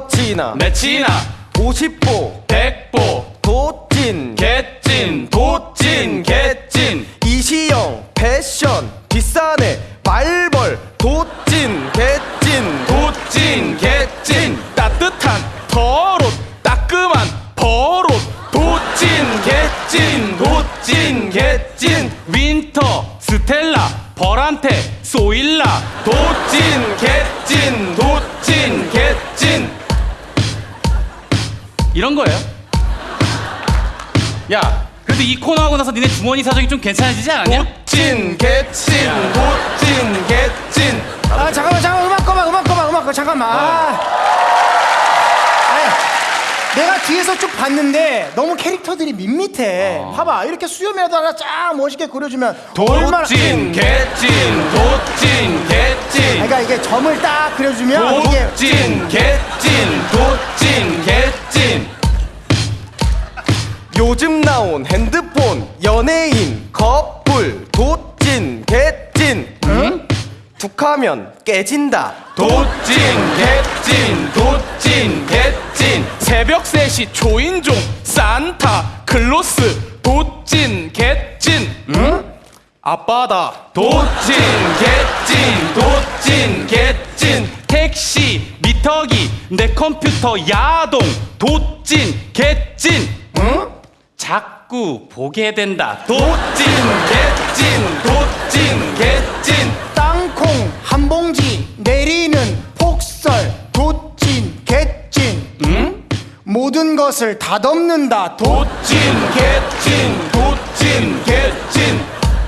너치나 내치나 50보 100보 도찐 개찐 도찐 개찐 이시영 패션 비싸네 말벌 도찐 개찐 도찐 개찐 따뜻한 털옷 따끔한 버릇 도찐 개찐 도찐 개찐 윈터 스텔라 벌한테 쏘일라 도찐 개찐 도찐 개찐 이런 거예요. 야 그래도 이 코너 하고 나서 니네 주머니 사정이 좀 괜찮아지지 않았냐? 도찐 개찐 도찐 개찐 아 잠깐만 음악 꺼봐 잠깐만. 아니, 내가 뒤에서 쭉 봤는데 너무 캐릭터들이 밋밋해. 봐봐 이렇게 수염이라도 하나 쫙 멋있게 그려주면 얼마나 도찐 개찐 도찐 개찐 그러니까 이게 점을 딱 그려주면 이게 도찐 개찐 도찐 개찐 요즘 나온 핸드폰 연예인 커플 도찐 개찐 응? 툭하면 깨진다 도찐 개찐 도찐 개찐 새벽 3시 초인종 산타 클로스 도찐 개찐 응? 아빠다 도찐 개찐 도찐 개찐 택시 미터기 내 컴퓨터 야동 도찐 개찐 응? 자꾸 보게 된다 도찐 개찐 도찐 개찐 땅콩 한 봉지 내리는 폭설 도찐 개찐 응? 모든 것을 다 덮는다 도찐 개찐 도찐 개찐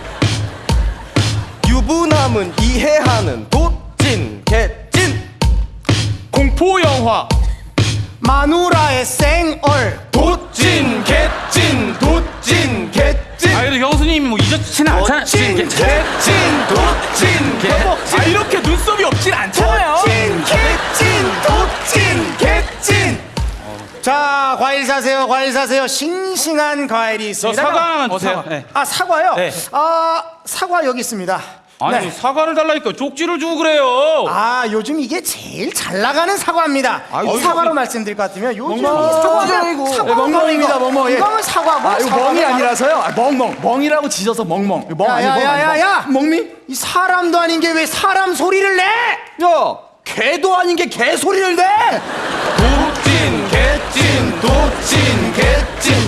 유부남은 이해하는 도찐 개찐 공포영화 마누라의 생얼 도찐 개찐 도찐 개찐 아 그래도 형수님이 뭐 잊었지는 않잖아 도찐 개찐 도찐 개찐 아 이렇게 눈썹이 없진 않잖아요 도찐 개찐 도찐 개찐 자 과일 사세요 싱싱한 과일이 있습니다. 사과 하나만 주세요. 네. 아 사과요? 네. 아 사과 여기 있습니다. 아니 네. 사과를 달라니까 쪽지를 주고 그래요 아 요즘 이게 제일 잘 나가는 사과입니다. 아이고, 사과로 말씀드릴 것 같으면 요즘 멍멍입니다, 멍멍. 예. 이거는 사과고 아, 이거 멍이 아니라서요. 아, 멍멍. 멍이라고 지져서 멍멍. 멍 아니고 멍 야야야야 멍미? 이 사람도 아닌 게 왜 사람 소리를 내? 야, 개도 아닌 게 개 소리를 내. 도찐 개찐 도찐 개찐